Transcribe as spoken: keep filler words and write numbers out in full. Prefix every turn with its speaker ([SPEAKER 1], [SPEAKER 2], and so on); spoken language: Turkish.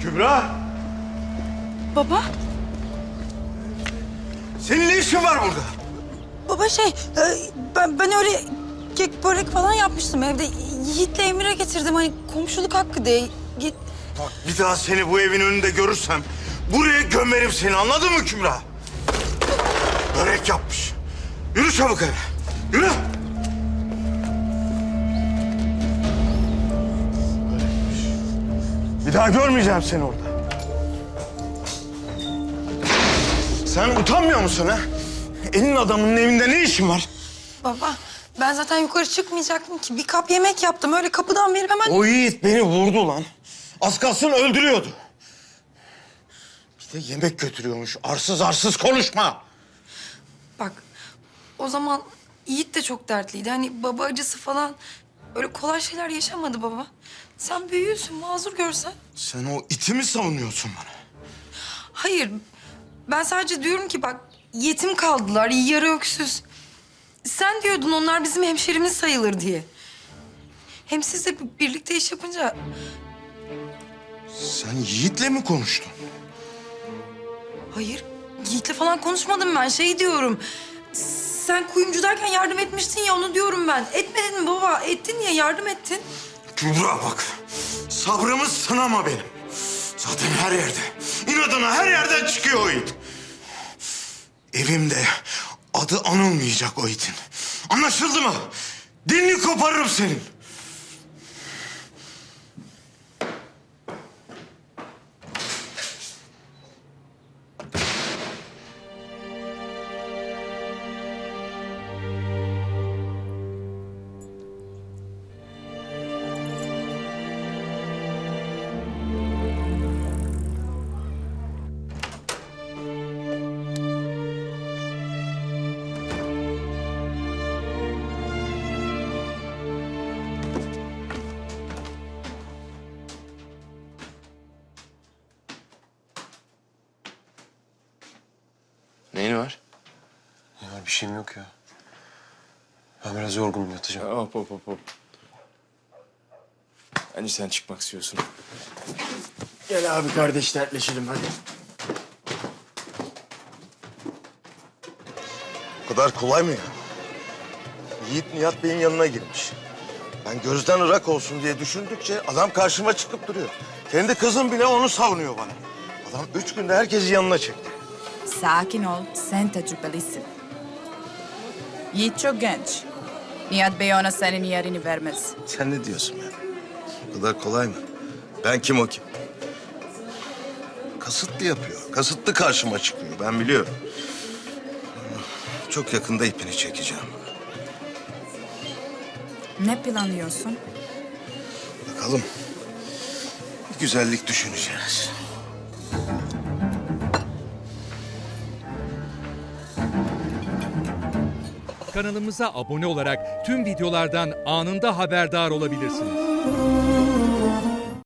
[SPEAKER 1] Kübra!
[SPEAKER 2] Baba?
[SPEAKER 1] Senin ne işin var burada?
[SPEAKER 2] Baba şey, e, ben, ben öyle kek börek falan yapmıştım evde. Yiğit'le Emir'e getirdim hani komşuluk hakkı diye. Git.
[SPEAKER 1] Bak bir daha seni bu evin önünde görürsem buraya gömerim seni, anladın mı Kübra? Börek yapmış. Yürü çabuk eve. Yürü. Börekmiş. Bir daha görmeyeceğim seni orada. Sen utanmıyor musun ha? Elin adamının evinde ne işin var?
[SPEAKER 2] Baba, ben zaten yukarı çıkmayacaktım ki. Bir kap yemek yaptım. Öyle kapıdan verip hemen...
[SPEAKER 1] O Yiğit beni vurdu lan. Az kalsın öldürüyordu. Bir de yemek götürüyormuş. Arsız arsız konuşma.
[SPEAKER 2] Bak, o zaman Yiğit de çok dertliydi. Hani baba acısı falan... Öyle kolay şeyler yaşamadı baba. Sen büyüyorsun, mazur görsen.
[SPEAKER 1] Sen o iti mi savunuyorsun bana?
[SPEAKER 2] Hayır, ben sadece diyorum ki bak... Yetim kaldılar, yarı öksüz. Sen diyordun onlar bizim hemşerimiz sayılır diye. Hem siz de birlikte iş yapınca...
[SPEAKER 1] Sen Yiğit'le mi konuştun?
[SPEAKER 2] Hayır, Yiğit'le falan konuşmadım ben. Şey diyorum... Sen kuyumcudayken yardım etmiştin ya, onu diyorum ben. Etmedin mi baba? Ettin ya, yardım ettin.
[SPEAKER 1] Kübra bak, sabrımı sınama benim. Zaten her yerde, inadına her yerden çıkıyor o it. Evimde adı anılmayacak o itin. Anlaşıldı mı? Dilini koparırım senin.
[SPEAKER 3] Neyin var?
[SPEAKER 4] Ya bir şeyim yok ya. Ben biraz yorgunum, yatacağım.
[SPEAKER 3] Ya, hop hop hop hop. Bence sen çıkmak istiyorsun. Gel abi kardeş dertleşelim hadi.
[SPEAKER 1] O kadar kolay mı ya? Yiğit Nihat Bey'in yanına girmiş. Ben gözden ırak olsun diye düşündükçe adam karşıma çıkıp duruyor. Kendi kızım bile onu savunuyor bana. Adam üç günde herkesi yanına çekti.
[SPEAKER 5] Sakin ol, sen tecrübelisin. Yiğit çok genç. Nihat Bey ona senin yerini vermez.
[SPEAKER 1] Sen ne diyorsun ya? O kadar kolay mı? Ben kim o kim? Kasıtlı yapıyor. Kasıtlı karşıma çıkıyor. Ben biliyorum. Çok yakında ipini çekeceğim.
[SPEAKER 5] Ne planlıyorsun?
[SPEAKER 1] Bakalım. Bir güzellik düşüneceğiz.
[SPEAKER 6] Kanalımıza abone olarak tüm videolardan anında haberdar olabilirsiniz.